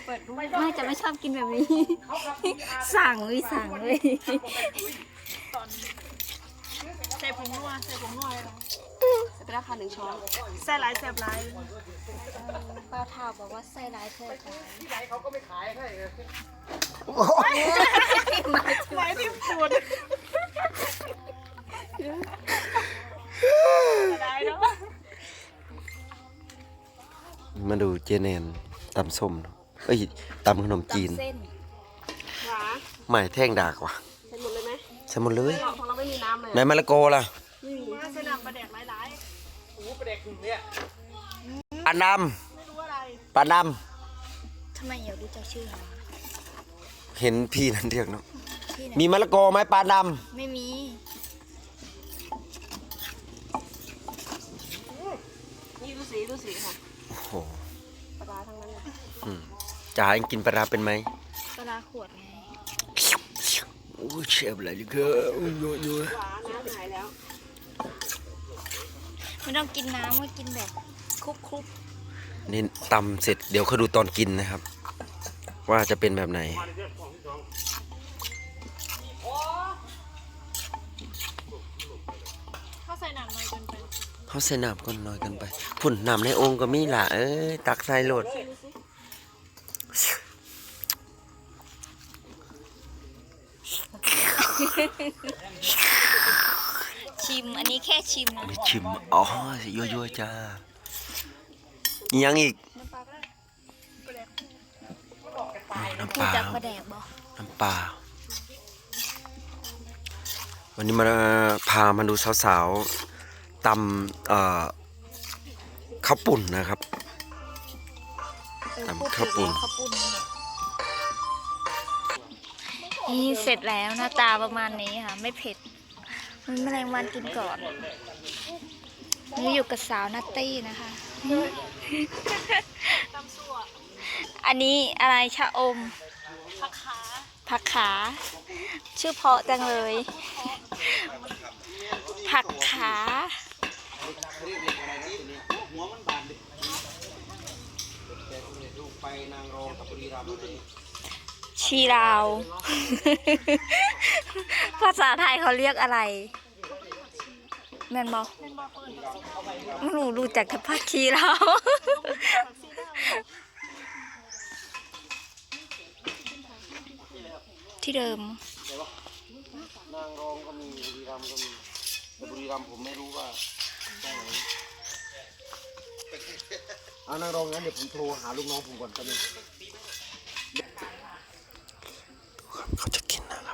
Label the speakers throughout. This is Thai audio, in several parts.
Speaker 1: เปิดดูไม่จะไม่ชอบกินแบบนี้สั่งเลย
Speaker 2: ใส่ผงนัวเลยนะ
Speaker 1: ใส่ไปแล้วค่ะ1 ช้อน
Speaker 2: ใส่หลายแซ่บหลาย
Speaker 1: ป้าท่าบอกว่าใส่หลายเท่าไหร่
Speaker 3: ที่ไหนเขาก็ไม่ขายให้เลย
Speaker 2: ไว้ที่ปูดได้เนาะ
Speaker 4: มาดูเจเนนตำส้มเอ้ยตำขนมจีน
Speaker 1: เส้น
Speaker 2: หวาน
Speaker 4: ใหม่แท่งดากว่ะ
Speaker 2: ใส่หมดเลยไหม
Speaker 4: ใช่หมดเลย
Speaker 2: ของเราไม่มีน้ำเลย
Speaker 4: ในมะละกอล่ะ
Speaker 2: ไม่มีใส่น้ำปลาแดกหลาย
Speaker 3: โอ้ประเด็กเนี่ย
Speaker 4: ปลาด
Speaker 2: ๆไม่รู้อะไร
Speaker 4: ำปลาด
Speaker 1: ทำไมอยากรู้จักชื่อเขา
Speaker 4: ำเห็นพี่นั่นเรียกเนาะ
Speaker 1: ที่ไหน
Speaker 4: มีมะละกอไหมปลาด
Speaker 1: ไม่มี
Speaker 2: นี่ดูสีค่ะ
Speaker 4: ำโอ้โห
Speaker 2: ปลาร้าทั้งนั้นเลย
Speaker 4: จ๋ายังกินปลาร้าเป็นไหม
Speaker 1: ปลาขวดไง
Speaker 4: โอ้ยเชฟอะไรดิเก้อโอ้ยโยโย่
Speaker 2: หวานน้ำหายแล้ว
Speaker 1: ไม่ต้องกินน้ำก็กินแบบคลุก
Speaker 4: นี่ตำเสร็จเดี๋ยวเขาดูตอนกินนะครับ ว่าจะเป็นแบบไหน
Speaker 2: เขาใส่น้ำน้อยเกินไป
Speaker 4: เขาใส่น้ำก้นน้อยกันไปพุ่นน้ำในโองค์ก็มีล่ะเอ้ยตักใส่โหลด
Speaker 1: ๆชิมอันนี้แค่ชิมนะ
Speaker 4: ชิมอ๋อยั่วๆจ้าอีกยังอีก
Speaker 2: น้ำปลาก็ได้ปลาแดก
Speaker 4: น้ำ
Speaker 1: พู
Speaker 4: ป
Speaker 1: ด
Speaker 4: ลา
Speaker 1: จากปลาแดกบอก
Speaker 4: น้ำปลาวันนี้มาพามาดูสาวๆตำข้าวปุ่นนะครับตำข้าวปุ่น
Speaker 1: ข้าวปุ้นนี่เสร็จแล้วหน้าตาประมาณนี้ค่ะ ไม่เผ็ดมันแมลงวันกินก่อนนี่อยู่กับสาวนัตตี้นะคะ
Speaker 2: ตำซั่ว
Speaker 1: อันนี้อะไรชะอม
Speaker 2: ผักขา
Speaker 1: ผักขา ชื่อเพราะจังเลย ผักขา ชีราว ภาษาไทยเขาเรียกอะไร แม่นบอกหนูรู้จักแต่ผักชีราว ที่เดิม
Speaker 4: นางรองก็มีบุรีรัมย์ก็มีแต่บุรีรัมย์ผมไม่รู้ว่าได้ไหนเอานางรองงั้นเดี๋ยวผมโทรหาลูกน้องผมก่อนก็ได้เขาจะกินนะครับ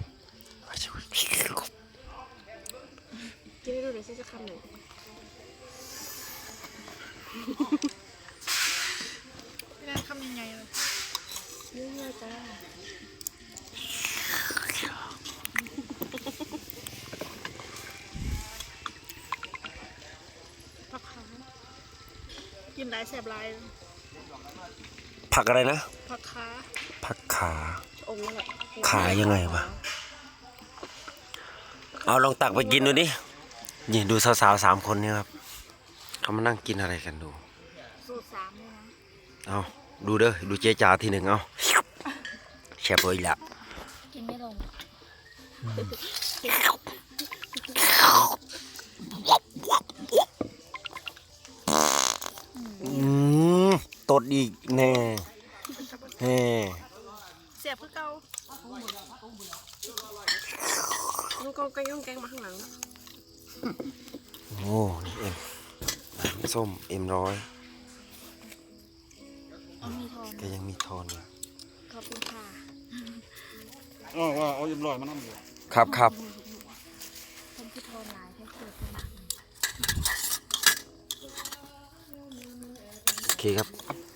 Speaker 2: กินให้ดูหน่อยสิจะคำหนึ่งไม่ได้คำยังไงเลยเยอะๆจ้าผักขากินหลายแสบหลาย
Speaker 4: ผักอะไรนะ
Speaker 2: ผักขา
Speaker 4: ผักขา
Speaker 2: องค์นั่นแหละ
Speaker 4: ขายังไงวะเอาลองตักไปกินดูดินี่ดูสาวๆ3 คนเนี่ยครับเขามานั่งกินอะไรกันดู
Speaker 1: สูตร3เลยนะ
Speaker 4: เอาดูเด้อดูเจ๊จ๋าทีหนึ่งเอาแช่บเลยละ
Speaker 1: กินไม่ลง
Speaker 4: ตดอีกแน่แน่
Speaker 2: เสียบคือเก่าลูกกองแกงมาข้างหลัง
Speaker 4: โอ้นี่เอ็มส้มM100
Speaker 1: เอามีทอน
Speaker 4: แกยังมีทอนอยู่
Speaker 1: ขอบคุณค่ะ
Speaker 3: ว่าเอายิ้มลอยมานั่งอยู่
Speaker 4: ครับครับ
Speaker 1: คนที่ทอนหลายแค่เกิดสมัคร
Speaker 4: โอเคครับ